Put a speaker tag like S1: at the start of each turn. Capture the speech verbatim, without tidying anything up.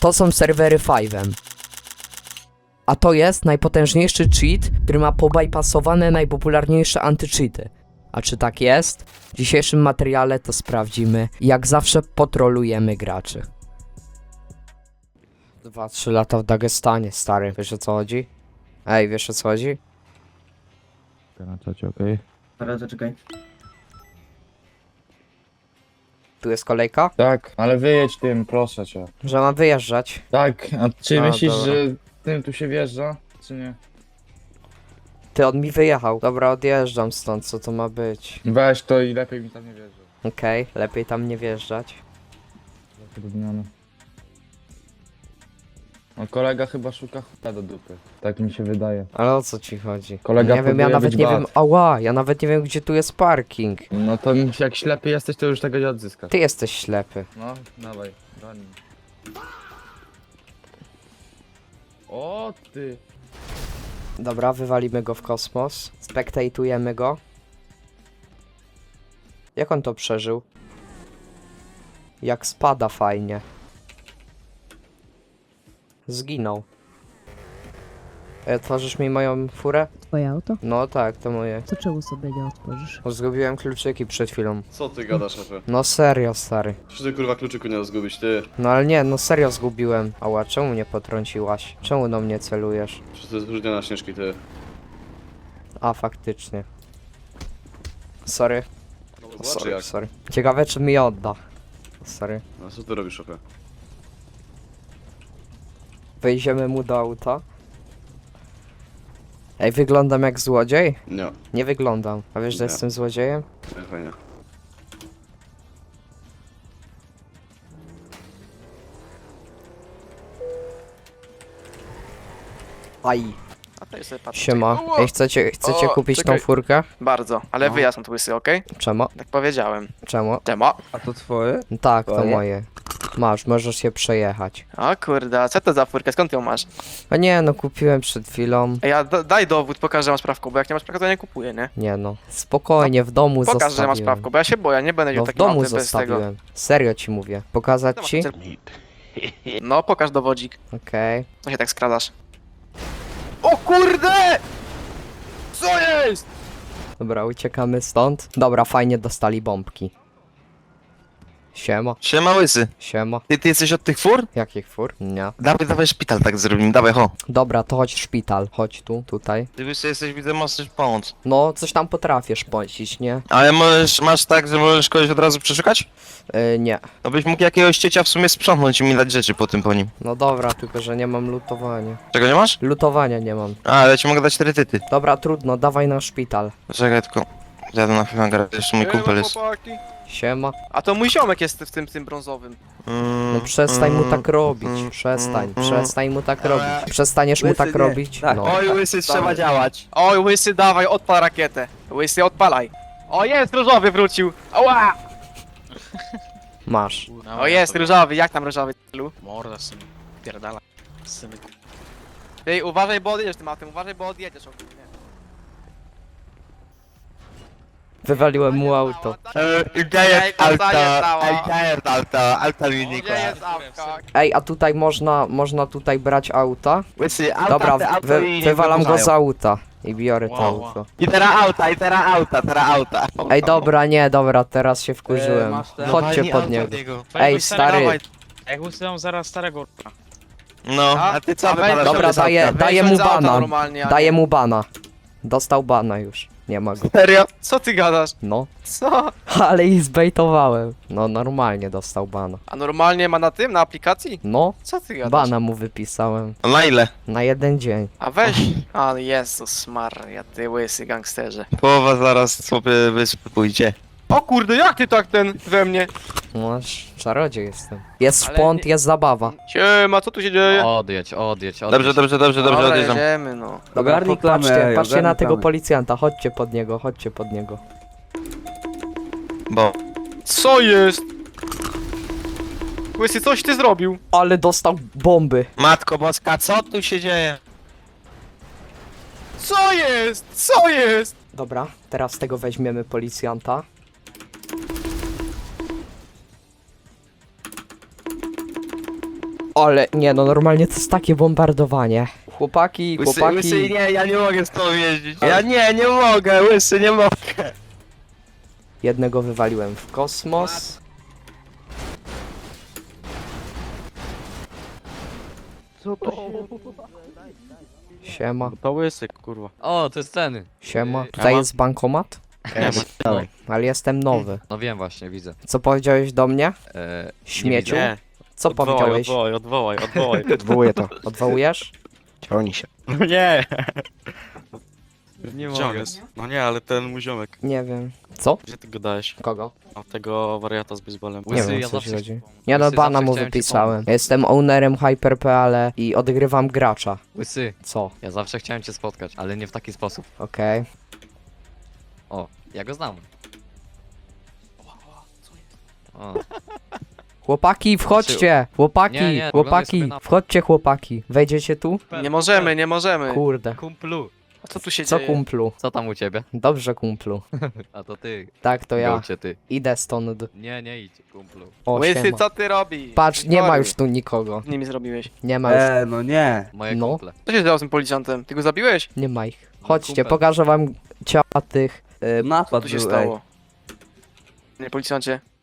S1: To są serwery Five'em. A to jest najpotężniejszy cheat, który ma pobypassowane najpopularniejsze anty-cheaty. A czy tak jest? W dzisiejszym materiale to sprawdzimy. Jak zawsze potrolujemy graczy. Dwa, trzy lata w Dagestanie, stary. Wiesz o co chodzi? Ej, wiesz o co chodzi?
S2: Na czacie, okej.
S3: Teraz zaczekaj.
S1: Tu jest kolejka?
S2: Tak, ale wyjedź tym, proszę cię.
S1: Że mam wyjeżdżać.
S2: Tak, a czy
S1: A,
S2: myślisz,
S1: dobra.
S2: że tym tu się wjeżdża, czy nie?
S1: Ty, on mi wyjechał. Dobra, odjeżdżam stąd, co to ma być?
S2: Weź to i lepiej mi tam nie wjeżdża.
S1: Okej, lepiej tam nie wjeżdżać.
S2: Zatrudniony. No kolega chyba szuka chuta do dupy. Tak mi się wydaje.
S1: Ale o co ci chodzi?
S2: Kolega
S1: Nie wiem, ja
S2: próbuje
S1: nawet
S2: być
S1: nie
S2: bad.
S1: wiem, ała, ja nawet nie wiem, gdzie tu jest parking.
S2: No to jak ślepy jesteś, to już tego nie odzyskasz.
S1: Ty jesteś ślepy.
S2: No, dawaj, broni. O ty!
S1: Dobra, wywalimy go w kosmos. Spektatujemy go. Jak on to przeżył? Jak spada fajnie. Zginął. E, Otworzysz mi moją furę?
S4: Twoje auto?
S1: No tak, to moje.
S4: To czemu sobie nie otworzysz?
S1: Bo zgubiłem kluczyki przed chwilą.
S5: Co ty gadasz, szefie?
S1: No serio, stary.
S5: Czy ty kurwa kluczyku nie zgubić, ty?
S1: No ale nie, no serio zgubiłem. Ała, czemu mnie potrąciłaś? Czemu do mnie celujesz?
S5: Czy to jest różnia na śnieżki, ty?
S1: A, faktycznie. Sorry,
S5: No zobacz
S1: sorry,
S5: jak.
S1: sorry. Ciekawe, czy mi odda. Sorry.
S5: No co ty robisz, szefie?
S1: Wejdziemy mu do auta. Ej, wyglądam jak złodziej?
S5: Nie,
S1: Nie wyglądam. A wiesz, że
S5: Nie.
S1: jestem złodziejem?
S5: nie, fajnie.
S1: Aj.
S6: A to jest sobie patrzę.
S1: Siema.
S6: Czekaj.
S1: Ej, chcecie, chcecie
S6: O,
S1: kupić
S6: czekaj.
S1: tą furkę?
S6: Bardzo, ale
S1: No.
S6: wyjazd na łysy, okej?
S1: Czemu?
S6: Tak powiedziałem.
S1: Czemu?
S6: Czemu?
S2: A to twoje?
S1: Tak, to
S2: Twoje?
S1: moje. Masz, możesz się przejechać.
S6: O kurde, a co to za furkę? Skąd ją masz?
S1: A nie, no kupiłem przed chwilą.
S6: Ej, a da, daj dowód, pokaż, że masz prawko, bo jak nie masz prawka, to nie kupuję, nie?
S1: Nie no. Spokojnie, w domu
S6: Pokaż, że
S1: zostawiłem.
S6: masz prawko, bo ja się boję, nie będę
S1: No
S6: miał
S1: w
S6: takiego
S1: domu
S6: auta bez tego.
S1: zostawiłem. Serio ci mówię. Pokazać ci?
S6: No, pokaż dowodzik.
S1: Okej.
S6: Co się tak skradasz? O kurde! Co jest?
S1: Dobra, uciekamy stąd. Dobra, fajnie dostali bombki. Siema,
S7: Siema łysy,
S1: siema.
S7: ty, ty jesteś od tych fur?
S1: Jakich fur? Nie.
S7: Dawaj, dawaj szpital tak zrobimy, dawaj ho.
S1: Dobra, to chodź szpital. Chodź tu, tutaj.
S7: Ty łysy jesteś, widzę, możesz pomóc.
S1: No, coś tam potrafisz płacić, nie?
S7: Ale możesz, masz tak, że możesz kogoś od razu przeszukać?
S1: Yy, nie.
S7: No byś mógł jakiegoś ciecia w sumie sprzątnąć i mi dać rzeczy po tym po nim.
S1: No dobra, tylko że nie mam lutowania.
S7: Czego nie masz?
S1: Lutowania nie mam.
S7: A, ale ci mogę dać cztery tyty.
S1: Dobra, trudno, dawaj na szpital.
S7: Czekaj tylko, jadę na chwilę, garę, jeszcze mój kumpel jest.
S6: chłopaki.
S1: Siema.
S6: A to mój ziomek jest w tym, tym brązowym.
S7: Mm,
S1: No przestań mu
S7: mm,
S1: tak robić.
S7: mm,
S1: Przestań,
S7: mm,
S1: przestań mu tak robić. Przestaniesz mu
S3: Łysy,
S1: tak
S3: nie.
S1: robić?
S3: Tak.
S1: No.
S7: Oj łysy, trzeba działać.
S6: Oj, łysy, dawaj, odpal rakietę. Łysy, odpalaj. O, jest, różowy wrócił. Ała!
S1: Masz.
S6: O, jest, różowy, jak tam różowy, tylu?
S8: Morda, syn. Pierdala. Syny.
S6: Ty, uważaj, bo odjedziesz tym autem, uważaj, bo odjedziesz ogólnie.
S1: Wywaliłem mu auto.
S6: Daję auto,
S7: daję auto, auto
S6: Gdzie jest autka?
S1: Ej, a tutaj można, można tutaj brać auta?
S7: Łysy, auta,
S1: Dobra,
S7: te auto
S1: wy,
S7: i nie
S1: wywalam go
S7: wypadają.
S1: z auta. I biorę to
S8: Wow, wow.
S1: auto.
S7: I teraz auta, i teraz auta, teraz auta.
S1: Ej, dobra, nie, dobra, teraz się wkurzyłem.
S3: masz te-
S1: Chodźcie
S7: Dawaj,
S1: pod
S7: auto
S1: niego.
S7: od niego.
S1: Ej, stary.
S7: Dawaj.
S8: Jak ustawiam zaraz starego r***a.
S7: No,
S6: A?
S7: a ty co
S6: A weź
S7: wypadasz?
S1: Dobra,
S7: sobie z
S1: daję,
S7: auta?
S1: daję
S6: Weź
S1: mu
S6: z auta
S1: bana.
S6: normalnie, a
S1: Daję
S6: nie-
S1: mu bana. Dostał bana już. Nie ma go.
S7: Serio?
S6: Co ty gadasz?
S1: No.
S6: Co?
S1: Ale ich zbejtowałem. No, normalnie dostał bana.
S6: A normalnie ma na tym, na aplikacji?
S1: No,
S6: Co ty gadasz?
S1: bana mu wypisałem.
S7: A na ile?
S1: Na jeden dzień.
S6: A weź. A Jezus Maria, ty łysy gangsterze.
S7: Połowa zaraz sobie wyspy pójdzie.
S6: O kurde, jak ty tak ten we mnie?
S1: No, czarodziej jestem. Jest
S6: Ale
S1: szpont,
S6: nie-
S1: jest zabawa.
S6: Siema, co tu się dzieje?
S8: Odjedź, odjedź, odjedź.
S7: Dobrze, dobrze, dobrze, dobrze,
S6: Dobra,
S7: odjeżdżam.
S6: jedziemy, no.
S1: Dobra,
S3: Ogarnij
S1: patrzcie,
S3: klamę, ej,
S1: patrzcie na
S3: ogarnij
S1: tego
S3: klamę.
S1: policjanta. Chodźcie pod niego, chodźcie pod niego.
S7: Bo.
S6: Co jest? Łysy, coś ty zrobił?
S1: Ale dostał bomby.
S7: Matko Boska, co tu się dzieje?
S6: Co jest? Co jest?
S1: Dobra, teraz z tego weźmiemy policjanta. Ale nie no, normalnie to jest takie bombardowanie. Chłopaki,
S7: Łysy,
S1: chłopaki.
S7: łysy, nie, ja nie mogę z tobą jeździć. Ja nie, nie mogę, łysy, nie mogę.
S1: Jednego wywaliłem w kosmos.
S6: Co to się...
S1: Siema,
S6: To łysy, kurwa.
S3: O, to jest ceny.
S1: siema.
S3: Yy,
S1: Tutaj
S3: a ma-
S1: jest bankomat,
S7: Nie,
S3: No,
S1: ale jestem nowy.
S3: no wiem właśnie, widzę.
S1: Co powiedziałeś do mnie?
S3: E,
S1: Śmieciu?
S6: Nie.
S1: Co powiedziałeś?
S6: Odwołaj, odwołaj, odwołaj.
S7: odwołuję to.
S1: Odwołujesz?
S7: Ciągnij się.
S6: No nie.
S3: nie
S6: Gdzie on jest? No nie, ale ten mój ziomek.
S1: Nie wiem. Co?
S6: Gdzie ty go dałeś?
S1: Kogo?
S6: A tego wariata z baseballem.
S1: Nie
S3: Łysy,
S1: wiem,
S3: ja
S1: co ci
S3: zawsze-
S1: chodzi. Nie no,
S3: Łysy,
S1: bana
S3: zawsze
S1: mu
S3: chciałem ci
S1: wypisałem.
S3: pomóc.
S1: Jestem ownerem Hyper.pl i odgrywam gracza.
S3: Łysy,
S1: Co?
S3: ja zawsze chciałem cię spotkać, ale nie w taki sposób.
S1: Okej.
S3: O, ja go znam. O,
S1: Chłopaki, wchodźcie! Chłopaki,
S3: Nie, nie,
S1: chłopaki,
S3: oglądaj sobie na-
S1: wchodźcie chłopaki. Wejdziecie tu?
S4: Nie możemy, nie możemy.
S1: Kurde.
S3: kumplu,
S4: A co tu się
S1: Co
S4: dzieje?
S1: kumplu?
S3: co tam u ciebie?
S1: Dobrze kumplu.
S3: A to ty,
S1: Tak, to ja.
S3: gołcie ty.
S1: Idę stąd.
S3: Nie, nie idź, kumplu.
S1: O,
S4: Łysy,
S1: siema.
S4: co ty robisz?
S1: Patrz, nie ma
S4: Chory.
S1: już tu nikogo.
S4: Z nimi zrobiłeś.
S1: Nie ma już,
S2: Eee, no nie.
S3: Moje
S1: No.
S3: kumple.
S4: Co się stało z tym policjantem? Ty go zabiłeś?
S1: nie ma ich. Chodźcie,
S3: kumpel.
S1: pokażę wam ciała tych... y,
S4: Co
S2: Napad
S4: tu się
S2: był,
S4: stało? Nie, policjancie.